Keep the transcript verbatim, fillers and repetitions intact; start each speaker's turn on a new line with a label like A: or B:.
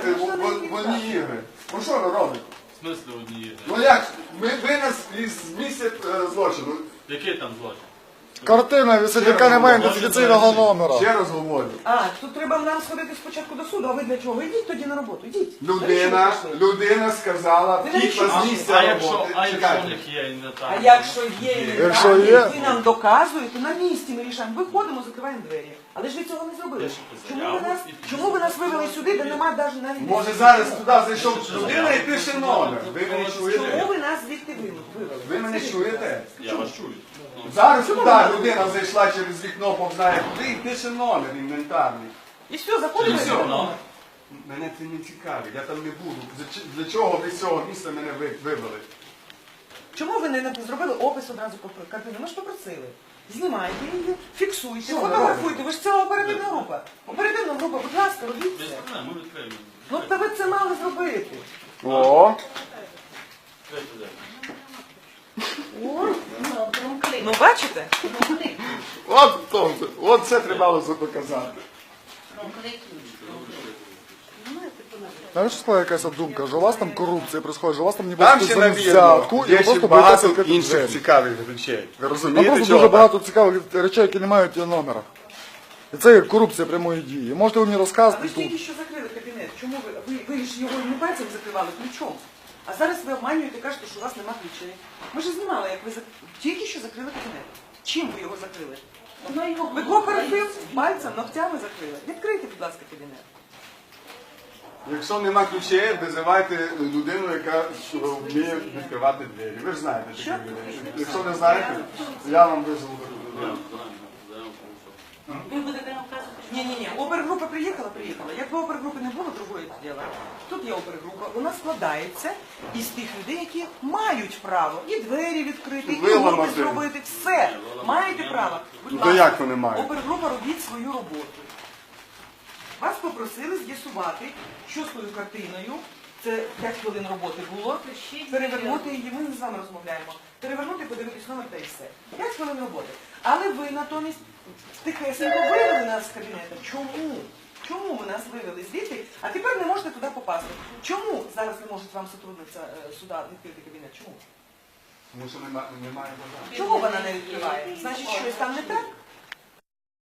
A: одні ігри. Ну що ви робите?
B: В смислі одні ігри?
A: Ну як? Ми, ви нас із місця е, злочину.
B: Який там злочин?
C: Картина висить, яка не має ідентифікаційного номера.
A: Ще раз говорю.
D: А, тут треба нам сходити спочатку до суду, а ви для чого? Йдіть тоді на роботу, йдіть.
A: Людина, людина сказала,
D: Ви
A: втікла
D: навіщо
A: з
B: А,
A: місця
B: а якщо,
A: роботи.
B: а якщо в
A: Чекайте.
B: них є і не так?
D: А якщо є і не
C: Якщо
D: так,
C: є-
D: ви нам доказуєте, на місці ми рішаємо. Виходимо, закриваємо двері. Але ж ви цього не зробили.
B: Пишете
D: Чому ви
B: заяву
D: нас,
B: і пишете.
D: чому ви нас вивели сюди, де немає навіть навіть...
A: Може зараз туди зайшов людина і пише номер. Ви мене
D: Чому
A: чуєте?
D: ви нас звідти вивели?
A: Ви мене чуєте?
B: Я вас чую.
A: Зараз туди людина зайшла через вікно, Бог знає куди, і пише номер інвентарний.
D: І все, заходимо.
A: І
D: і
A: все.
D: робимо.
A: Мене це не цікавить, я там не буду. Для чого ви з цього місця мене ви- вивели?
D: Чому ви не зробили опис одразу по картині? Ми ж попросили. Знімайте її, фіксуйте,
A: Що ви
D: фотографуйте. Ви ж ціла оперативна група. Оперативна група, будь ласка, робіть
B: Без
D: це.
B: проблем, ми відкриємо.
D: Ну, та ви це мали зробити.
C: О,
B: Відкрийте двері.
D: Ну, бачите?
A: От, то, от це треба було доказати.
C: знаєш, скла якась думка, що у вас там корупція відбувається, що у вас там не
A: Там
C: буде
A: ще
C: за
A: навірно,
C: взятку, і
A: є
C: ви
A: ще
C: просто
A: багато
C: боїтеся відкрити
A: інших
C: двері.
A: цікавих речей. Ви
C: Там
A: розумієте,
C: просто
A: чого
C: дуже
A: так?
C: багато цікавих речей, які не мають номера. І це є корупція прямої дії. Можете ви мені
D: А ви
C: розказати
D: ж
C: тут.
D: тільки що закрили кабінет. Чому ви? Ви, ви ж його не пальцем закривали, ключом. А зараз ви обманюєте і кажете, що у вас нема ключей. Ми ж знімали, як ви зак... тільки що закрили кабінет. Чим ви його закрили? Ви кооператив пальцем, ногтями закрили. Відкрийте, будь ласка, кабінет.
A: Якщо нема ключей, визивайте людину, яка вміє відкривати двері. Ви ж знаєте
D: Що?
A: такі людей. Якщо не знаєте, я вам визову таку людину.
E: Ви будете нам вказувати, що
D: Ні, ні, ні. Опергрупа приїхала, приїхала. Якби опергрупи не було, другої діла. Тут є опергрупа. Вона складається із тих людей, які мають право і двері відкрити, і
A: Виламати.
D: опис зробити. Все. Маєте право. Будь
A: Ну, то
D: ласка,
A: як вони мають?
D: Опергрупа, робіть свою роботу. Вас попросили з'ясувати, що з тою картиною. Це п'ять хвилин роботи було. Перевернути її, ми з вами розмовляємо. Перевернути, подивитись номер та і все. п'ять хвилин роботи. Але ви натомість тихесенько вивели нас з кабінету. Чому? Чому ви нас вивели звідти, а тепер не можете туди попасти? Чому зараз не може вам сотрудниця е, суда відкрити кабінет? Чому?
A: Тому що нема- немає бажання.
D: Чого вона не відкриває? Значить, щось там не так?